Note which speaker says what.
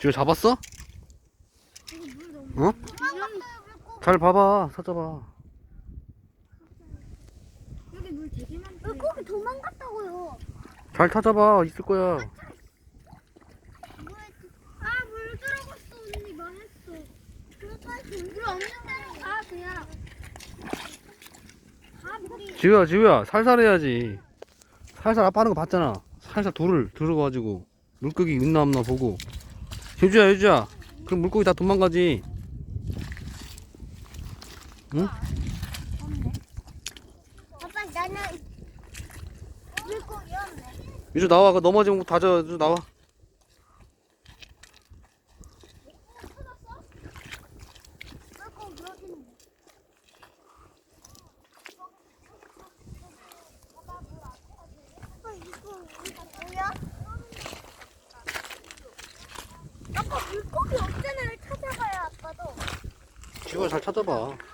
Speaker 1: 지효 잡았어? 어? 잘 봐봐, 찾아봐.
Speaker 2: 여기 물 되게 많다. 물고기 도망갔다고요.
Speaker 1: 잘 찾아봐, 있을 거야.
Speaker 2: 아, 물 들어갔어. 언니 망했어. 물 없는 데로 가 그냥. 가 물이.
Speaker 1: 지효야, 살살 해야지. 살살 아빠 하는 거 봤잖아. 살살 돌을 들어가지고 물고기 있나 없나 보고. 유주야, 그럼 물고기 다 도망가지. 응?
Speaker 2: 없네. 아빠 나는 물고기 없네.
Speaker 1: 유주 나와, 그 넘어지면 거 다져. 유주 나와.
Speaker 2: 물고기 여기 있네. 아빠 이거 뭐야? 아빠 물고기 없잖아. 찾아가요 아빠도.
Speaker 1: 지효야, 잘 찾아봐.